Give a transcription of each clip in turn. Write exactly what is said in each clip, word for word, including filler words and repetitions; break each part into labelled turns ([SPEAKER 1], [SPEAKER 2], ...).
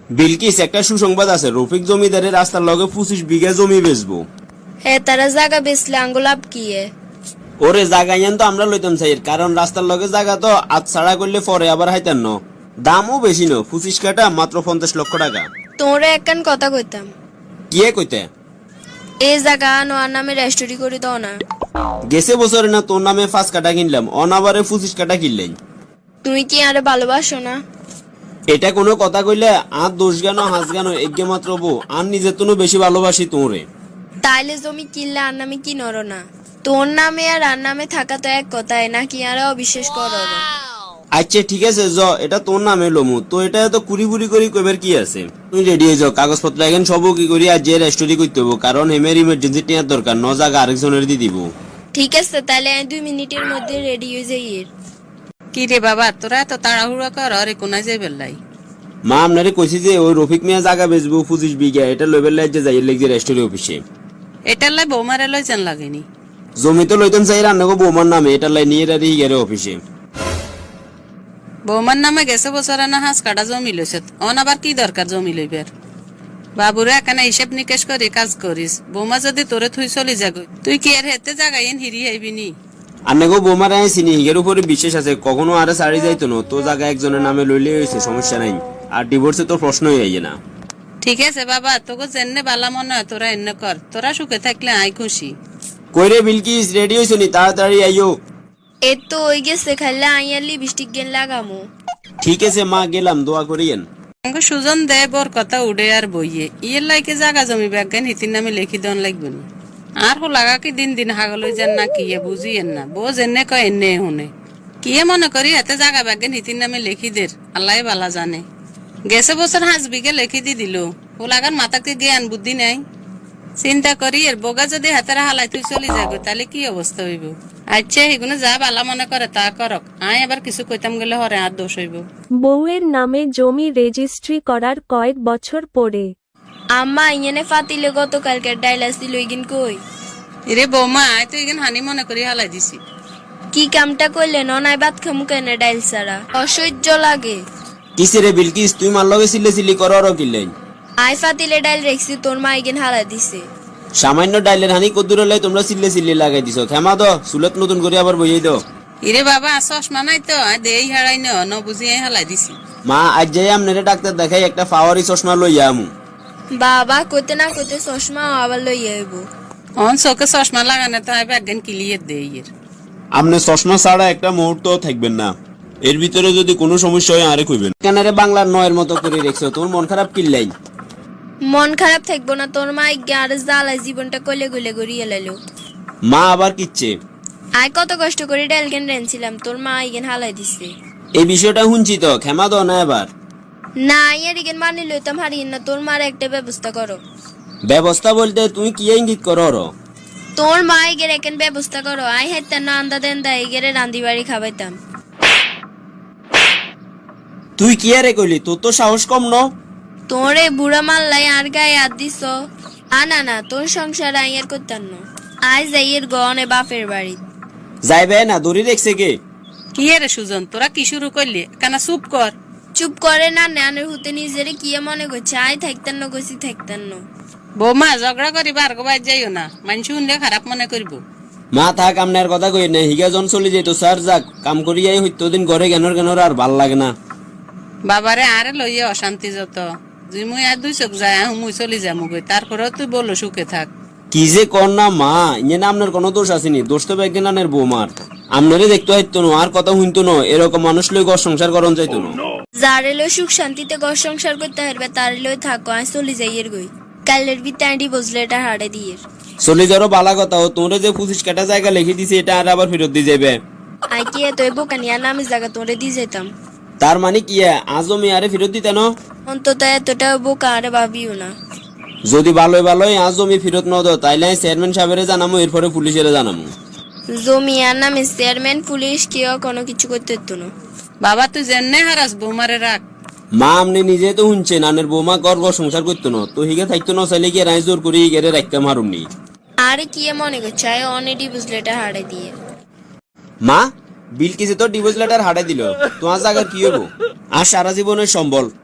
[SPEAKER 1] বিলকিস, একটা সুসংবাদ আছে। রফিক জমিদারের রাস্তার লগে পঁচিশ বিঘা জমি বেচবো।
[SPEAKER 2] হে তারা জায়গা বেচলে আঙ্গুলাভ কি এ?
[SPEAKER 1] ওরে জায়গা ইয়ান তো আমরা লইতাম চাই, কারণ রাস্তার লগে জায়গা তো আজ ছাড়া করলে পরে আবার হাইতান ন। দামও বেশি ন, পঁচিশ কাটা মাত্র পঞ্চাশ লক্ষ টাকা।
[SPEAKER 2] তোরে একখান কথা কইতাম,
[SPEAKER 1] কিয়ে কইতে?
[SPEAKER 2] এই জায়গা নোয়ার নামে রেস্টোরি করে দাও না।
[SPEAKER 1] গেছে বছরে না তোর নামে পাঁচ কাটা কিনলাম, অনাবারে পঁচিশ কাটা কিনলেন।
[SPEAKER 2] তুমি কি আরে ভালোবাসো না?
[SPEAKER 1] এটা কোনো কথা কইলে আর দোষ গান হাঁস গান এগে মাত্র বউ, আর নিজের তো বেশি ভালোবাসি তোরে।
[SPEAKER 2] তাইলে জমি কিনলে আর নামে কি নর না? তোর নামে আর আর নামে থাকা তো এক কথাই নাকি আর অবিশ্বাস করো না?
[SPEAKER 1] আচ্ছা ঠিক আছে, জ এটা তোর নামে লমু তো, এটা তো কুড়ি বুড়ি করি কইবার কি আছে। তুই রেডি হয়ে যাও, কাগজপত্র এখন সব কি করি আর যে রেস্টোরি করতে হবো, কারণ হেমের ইমার্জেন্সি টিয়ার দরকার, ন জায়গা আরেকজনের দিয়ে দিব।
[SPEAKER 2] ঠিক আছে, তাহলে আমি দুই মিনিটের মধ্যে রেডি হয়ে যাই। এর
[SPEAKER 3] কি রে বাবা, তোরা এত তাড়াহুড়া কর, আরে কোনায় যাই বেল্লাই?
[SPEAKER 1] মা আপনারে কইছি যে ওই রফিক মিয়া জায়গা বেচবো পঁচিশ বিঘা, এটা লইবার লাগে যাই লেগে রেস্টোরি অফিসে।
[SPEAKER 3] এটার লাই বৌমারে লই যান লাগেনি?
[SPEAKER 1] জমি তো লইতাম চাই রান্নাগো বৌমার নামে, এটা লাই নিয়ে রাখি গেলে অফিসে।
[SPEAKER 3] বৌমার নামে গেছে বছরে না হাঁস কাটা জমি লইছে, অন আবার কি দরকার জমি লইবার? বাবুরে এখানে হিসেব নিকেশ করে কাজ করিস। বৌমা যদি তোরে থুই চলি যাগো, তুই কি আর হেতে জায়গায় হিরি আইবি নি?
[SPEAKER 1] আন্নাগো বৌমার আয় চিনি, হিগের উপরে বিশ্বাস আছে, কখনো আরে সারি যাইতো না। তো জায়গা একজনের নামে লইলে হয়েছে, সমস্যা নাই। আর ডিভোর্সে তোর প্রশ্নই আইয়ে না।
[SPEAKER 3] ঠিক আছে বাবা, তোকে জেনে বালা মনে হয় তোরা এনে কর, তোরা সুখে থাকলে আই খুশি।
[SPEAKER 1] কইরে বিলকিস, রেডি হইছ নি? তাড়াতাড়ি আইও।
[SPEAKER 2] এ তো ওই গেছে, খাইলে আইয়ালি বৃষ্টি গেন লাগামো।
[SPEAKER 1] ঠিক আছে মা, গেলাম, দোয়া করিয়েন।
[SPEAKER 3] আমাকে সুজন দে বর কথা উড়ে আর বইয়ে ইয়ের লাইকে জাগা জমি ব্যাজ্ঞান হিতির নামে লিখি দন লাগবে না। আর হো লাগা কি দিন দিন হাগল যান না কি বুঝিয়েন না, বোঝ এনে কয় এনে শুনে কিয়ে মনে করি এতে জাগা ব্যাজ্ঞান হিতির নামে লিখি দের, আল্লাহ বালা জানে। গেছে বছর হাঁস বিঘে লিখি দি দিল, ও লাগার মাথাকে জ্ঞান বুদ্ধি নাই। চিন্তা করি এর বগা যদি হাতেরা হালাই তুই চলি যাগো, তাহলে কি অবস্থা হইব? আচ্ছা এগুলো যা বালা মনে করে তা করক, আয় আবার কিছু কইতাম গেলে হরে আর দোষ হইব।
[SPEAKER 4] বউয়ের নামে জমি রেজিস্ট্রি করার কয়েক বছর পরে
[SPEAKER 2] আম্মা ইয়েনে ফাতিলে গতকালকে ডাইলাস দিল ইগিন কই?
[SPEAKER 3] এরে বৌমা, আয় তো এখানে হানি মনে করি হালাই দিছি।
[SPEAKER 2] কি কামটা করলে ননাই ভাত খামু কেন ডাইল ছাড়া? অসহ্য লাগে।
[SPEAKER 1] কিসে রে বিলকিস, তুই মার লগে সিলে সিলি কর আর কিনলেন?
[SPEAKER 2] আই ফাতিলে ডাইল রেখছি, তোর মা ইগিন হালা দিছে।
[SPEAKER 1] সামান্য ডাইলের হানি কদ্দুর হলে তোমরা সিলে সিলে লাগাই দিছো। ক্ষমা দো, সুলত নতুন করে আবার বইয়ে দাও।
[SPEAKER 3] ইরে বাবা, চশমা নাই তো, আয় দেই হারাই ন ন বুঝি আয় হালাই দিছি।
[SPEAKER 1] মা আজ যাই আপনারে ডাক্তার দেখাই একটা পাওয়ারি চশমা লইয়া আমু।
[SPEAKER 2] বাবা কইতে না কইতে চশমা আবার লই আইব।
[SPEAKER 3] অন চোখে চশমা লাগানো তো আয় ব্যাজ্ঞান ক্লিয়ার দেই এর।
[SPEAKER 1] আপনি চশমা ছাড়া একটা মুহূর্ত থাকবেন না, এর ভিতরে যদি কোনো সমস্যা হয় আরে কইবেন। কেন রে বাংলার নয়ের মতো করে রেখছো, তোর মন খারাপ কিল্লাই?
[SPEAKER 2] মন খারাপ থাকবো না, তোর মা ইগে আর জ্বালা জীবনটা কলে গলে গড়িয়ে লাইলো।
[SPEAKER 1] মা আবার কিচ্ছে?
[SPEAKER 2] আয় কত কষ্ট করে ডাইল কেন রেনছিলাম, তোর মা ইগেন হালাই দিছে।
[SPEAKER 1] এই বিষয়টা শুনছি তো, ক্ষমা দাও না এবার।
[SPEAKER 2] না ইয়ার ইগেন মানি লইতাম হারিয়ে না, তোর মার একটা ব্যবস্থা করো।
[SPEAKER 1] ব্যবস্থা বলতে তুমি কি ইঙ্গিত করো?
[SPEAKER 2] তোর মা ইগের এখন ব্যবস্থা করো। আই হাইতা না আন্দা দেন দা ইগেরে রান্দি বাড়ি খাবাইতাম।
[SPEAKER 1] তুই কি আরে কইলি? তোর তো সাহস কম ন?
[SPEAKER 2] তোরে বুড়া মাল্লাই আর গায়ে হাত দিছ। আ না না, তোর সংসার আইয়ার করতাম না। আই যাইয়ের গনে বাপের বাড়ি
[SPEAKER 1] যাইবে না, দড়ি রেখছে কে?
[SPEAKER 3] কি রে সুজন, তোরা কি শুরু করলি? কানা চুপ কর।
[SPEAKER 2] চুপ করে না, নানের হুতে নিজেরে কি মনে করছে? আই থাকতাম না, গছি থাকতাম না।
[SPEAKER 3] বৌমা ঝগড়া করি বার গো বাইর যাইও না, মানুষ শুনলে খারাপ মনে করবো।
[SPEAKER 1] মা থাক, আপনার কথা কই না। হিগা জন চলে যেত স্যার, যাক কাম করিয়াই হইতো দিন ঘরে গেনর গেনর আর ভাল লাগে না।
[SPEAKER 3] বাবারে আরে লইয়া অশান্তি যত, তুই মুই আর দুই চোখ যায় মুই চলি যামু গই, তারপরেও তুই বলো সুখে থাক।
[SPEAKER 1] কি যে কর না মা, ইয়ে না আপনার কোনো দোষ আসেনি, দোষ তো ব্যাজ্ঞানের বৌমার। আপনারে দেখতে হইতো না, আর কথা শুনতো না, এরকম মানুষ লই ঘর সংসার করন যাইতো না।
[SPEAKER 2] যারে লই সুখ শান্তিতে ঘর সংসার করতে হারবে তারে লই থাকো। আই চলি যাইয়ের গই, কালের বিতে আইডি বসলে এটা হাড়ে দিয়ে।
[SPEAKER 1] চলে যারও বালা কথা, ও তোরে যে পঁচিশ কাটা জায়গা লিখে দিছে এটা আর আবার ফেরত দিয়ে যাবে।
[SPEAKER 2] আই কি এত বোকানিয়া নামে জায়গা তোরে দিয়ে যেতাম।
[SPEAKER 1] তার মানে কি আজও মেয়ারে ফেরত দিতে না?
[SPEAKER 2] অন্তত এতটা বোকা আরে ভাবিও না।
[SPEAKER 1] যদি ভালোই ভালোই আজ জমি ফেরত ন দাও, তাইলে চেয়ারম্যান সাহেবের জানামো, এরপরে পুলিশের জানামো।
[SPEAKER 2] জমি আর নামে চেয়ারম্যান পুলিশ কেউ কোনো কিছু করতে হতো না।
[SPEAKER 3] বাবা তুই জেনে হারাস, বৌমারে রাখ।
[SPEAKER 1] মা আপনি নিজে তো শুনছেন, আনের বৌমা গর্ব সংসার করতো না, তো হিগে থাকতো না, চাইলে কি রায় জোর করে হিগেরে রাখতাম হারুমনি।
[SPEAKER 2] আরে কি মনে করছে? আই অনেডি বুঝলে এটা হাড়ে দিয়ে।
[SPEAKER 1] মা বিলকিসে তো ডিভোর্স লেটার হারাই দিল, তোমার জায়গার কি হবো? আর সারা জীবনের সম্বল।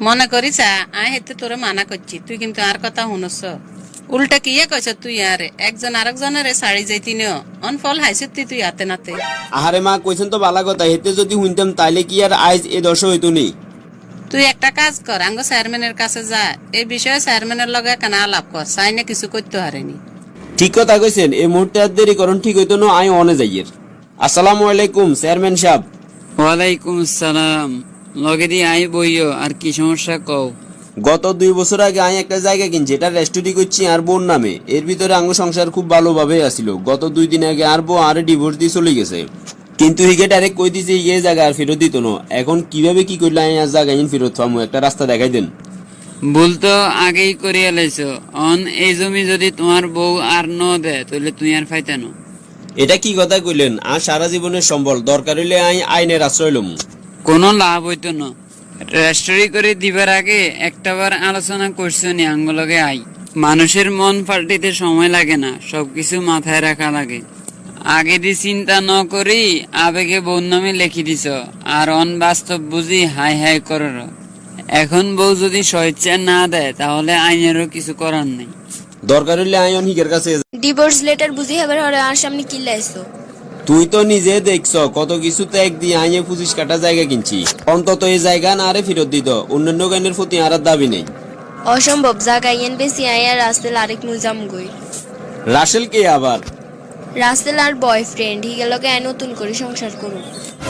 [SPEAKER 3] মনে করিস আয় হেতু তোরে মানা করছি, তুই কিন্তু আর কথা শুনছ। উল্টা কিয়ে কইছ তুই আরে একজন আরেকজনের শাড়ি যাইতি নিও অন ফল হাইছিস তুই তুই হাতে নাতে।
[SPEAKER 1] আহারে মা কইছেন তো বালা কথা, হেতে যদি শুনতাম তাইলে কি আর আজ এ দশ হইতো নি।
[SPEAKER 3] তুই একটা কাজ কর, আঙ্গ চেয়ারম্যানের কাছে যা, এই বিষয়ে চেয়ারম্যানের লগে কেন আলাপ কর, চাই না কিছু করতে হারেনি।
[SPEAKER 1] ঠিক কথা কইছেন, এই মুহূর্তে আর দেরি করুন ঠিক হইতো না, আই অনে যাইয়ের। আসসালামু আলাইকুম চেয়ারম্যান সাহেব।
[SPEAKER 5] ওয়ালাইকুম আসসালাম। লগে দিয়ে আই বইও, আর কি সমস্যা কও।
[SPEAKER 1] গত দুই বছর আগে আমি একটা জায়গা কিনছি, এটা রেস্টুরি করছি আর বোন নামে। এর ভিতরে আঙ্গ সংসার খুব ভালোভাবে আসিল। গত দুই দিন আগে আর বউ আর ডিভোর্স দিয়ে চলে গেছে, কিন্তু হিগে ডাইরেক্ট কই দিছে এই জায়গা আর ফেরত দিত না। এখন কিভাবে কি করলে আমি আর জায়গা ফেরত পাবো, একটা রাস্তা দেখাই দেন।
[SPEAKER 5] ভুল তো আগেই করিয়া লাইছো, অন এই জমি যদি তোমার বউ আর ন দেয় তাহলে তুই আর ফাইতে না।
[SPEAKER 1] এটা কি কথা কইলেন? আর সারা জীবনের সম্বল, দরকার হইলে আমি আইনের আশ্রয় লম।
[SPEAKER 5] কোনো লাভ হইতো না। রেস্টরি করে দিবার আগে একটাবার আলোচনা করছো নি আঙ্গলগে আই। মানুষের মন পাল্টিতে সময় লাগে না, সবকিছু মাথায় রাখা লাগে। আগে দি চিন্তা ন করি আবেগে বউ নামে লিখি দিছ, আর অন বাস্তব বুঝি হাই হাই কর। এখন বউ যদি স্বেচ্ছা না দেয় তাহলে আইনেরও কিছু করার নেই।
[SPEAKER 1] দরকার হইলে আমি অন হিগের কাছে।
[SPEAKER 2] ডিভোর্স লেটার বুঝি হবার হরে আর সামনে কি লাইছো?
[SPEAKER 1] তুই তো নিজে দেখছ কত কিছু ত্যাগ দিয়ে আইনে পঁচিশ কাটা জায়গা কিনছি। অন্তত এই জায়গা না আরে ফেরত দিত, অন্যান্য গানের প্রতি আর দাবি নেই।
[SPEAKER 2] অসম্ভব, জায়গা ইয়েন বেশি আই আর রাস্তেল আরেক মুজাম গই।
[SPEAKER 1] রাসেল কে আবার?
[SPEAKER 2] রাস্তেল আর বয়ফ্রেন্ড হিগেলকে আই নতুন করে সংসার করুন।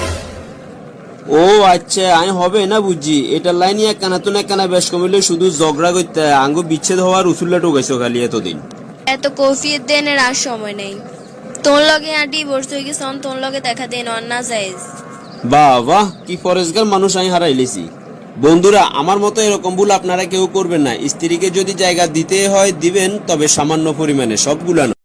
[SPEAKER 1] ও আচ্ছা, আমি হবে না বুঝছি। এটার লাইনে এক কানা তো এক কানা বেশ কমিলে শুধু ঝগড়া করতে আঙ্গ বিচ্ছেদ হওয়ার উসুল্লা টোকাইছো খালি এতদিন।
[SPEAKER 2] এত কফিয়ত দেনের আর সময় নেই। তোর লগে আর ডিভোর্স হয়ে গেছে, তোর লগে দেখা দেন অন না যাইজ।
[SPEAKER 1] বাহ বাহ, কি ফরেজগার মানুষ আমি হারাইলেছি। বন্ধুরা, আমার মতো এরকম ভুল আপনারা কেউ করবেন না। স্ত্রীকে যদি জায়গা দিতে হয় দিবেন, তবে সামান্য পরিমাণে, সবগুলা না।